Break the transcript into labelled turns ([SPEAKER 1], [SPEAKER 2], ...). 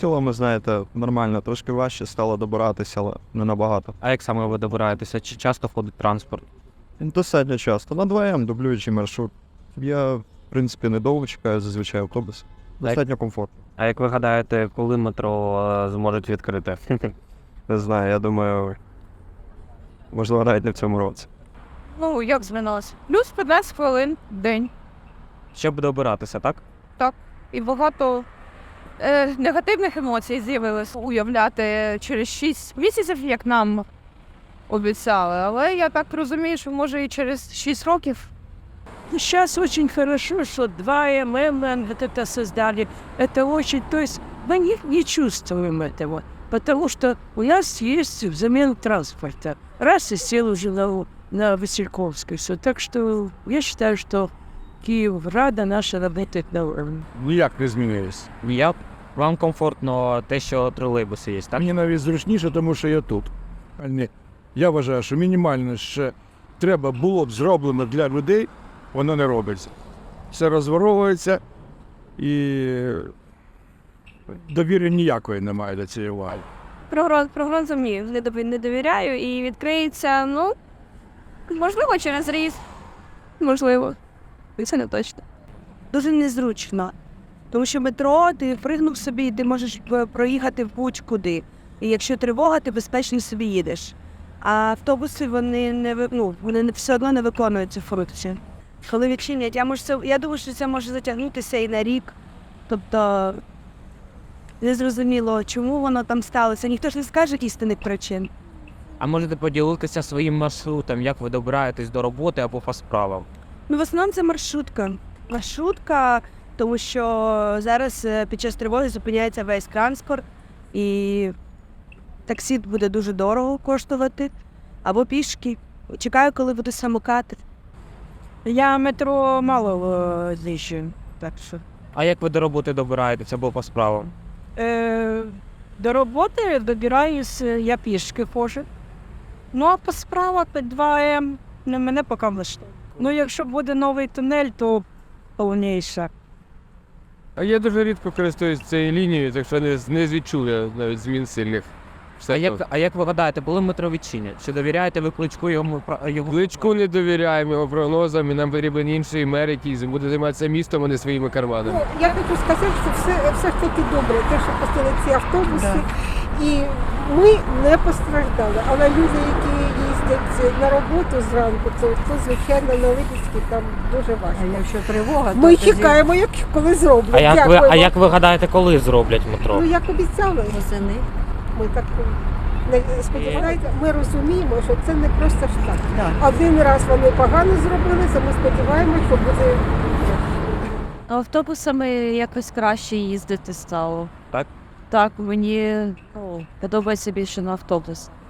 [SPEAKER 1] хостелами, знаєте, нормально, трошки важче стало добиратися, але не набагато.
[SPEAKER 2] А як саме ви добираєтеся? Чи часто ходить транспорт?
[SPEAKER 1] Достатньо часто. На 2М дублюючий маршрут. Я, в принципі, недовго чекаю, зазвичай автобус. Достатньо комфортно.
[SPEAKER 2] А як ви гадаєте, коли метро зможуть відкрити?
[SPEAKER 1] Не знаю, я думаю, можливо, навіть не в цьому році.
[SPEAKER 3] Ну, як змінилося? Плюс 15 хвилин в день.
[SPEAKER 2] Щоб добиратися, так?
[SPEAKER 3] І багато негативних емоцій з'явилось уявляти через 6 місяців, як нам обіцяли. Але я так розумію, що може і через 6 років.
[SPEAKER 4] Сейчас очень хорошо, что 2М вот это создали. Это очень, то есть мы не чувствуем этого, потому что у нас есть взамен транспорта. Раз и сел уже на Васильковской. Все. Так что я считаю, что Киеврада наша работает на уровне.
[SPEAKER 5] Ніяк не змінилось.
[SPEAKER 2] Вам комфортно те, що тролейбуси є, так?
[SPEAKER 5] Мені навіть зручніше, тому що я тут. Я вважаю, що мінімально ще треба було б зроблено для людей, воно не робиться. Все розворовується і довіри ніякої немає до цієї уваги.
[SPEAKER 6] Прогнозам ні, не довіряю і відкриється, можливо, через рік. Можливо. І це не точно.
[SPEAKER 7] Дуже незручно. Тому що метро, ти пригнув собі, і ти можеш проїхати в будь-куди. І якщо тривога, ти безпечно собі їдеш. А автобуси, вони все одно не виконують цю функцію. Коли відчинять, я думаю, що це може затягнутися і на рік. Тобто, незрозуміло, чому воно там сталося. Ніхто ж не скаже істинних причин.
[SPEAKER 2] А можете поділитися своїм маршрутом, як ви добираєтесь до роботи або по справам?
[SPEAKER 7] В основному це маршрутка. Маршрутка, тому що зараз під час тривоги зупиняється весь транспорт і таксі буде дуже дорого коштувати, або пішки. Чекаю, коли буде самокат.
[SPEAKER 4] Я метро мало знищую, так що.
[SPEAKER 2] А як ви до роботи добираєтеся або по справам?
[SPEAKER 4] До роботи добираюсь, я пішки ходжу. Ну, а по справах 2М мене поки влаштовує. Ну, якщо буде новий тунель, то повніше.
[SPEAKER 8] А я дуже рідко користуюсь цією лінією, так що не відчув я навіть змін сильних.
[SPEAKER 2] А як ви гадаєте, коли метро відчинять? Чи довіряєте ви Кличку йому?
[SPEAKER 8] Кличку не довіряємо його прогнозам, і нам потрібен інший мер, який буде займатися містом, а не своїми карманами.
[SPEAKER 9] Я хочу сказати, що все ж таки добре, те, що пустили ці автобуси, і ми не постраждали. Але люди, які їздять на роботу зранку, то звичайно, на Липецькій там дуже важко.
[SPEAKER 4] А якщо тривога, то
[SPEAKER 9] Ми чекаємо, коли зроблять.
[SPEAKER 2] А як ви гадаєте, коли зроблять метро?
[SPEAKER 9] Ну, як обіцяли.
[SPEAKER 6] Восени.
[SPEAKER 9] Ми так сподіваємося, ми розуміємо, що це не просто ж так.
[SPEAKER 4] Да.
[SPEAKER 9] Один раз вони погано зробили, це ми сподіваємося, що буде.
[SPEAKER 6] Автобусами якось краще їздити стало.
[SPEAKER 2] Так?
[SPEAKER 6] Так, мені подобається більше на автобус.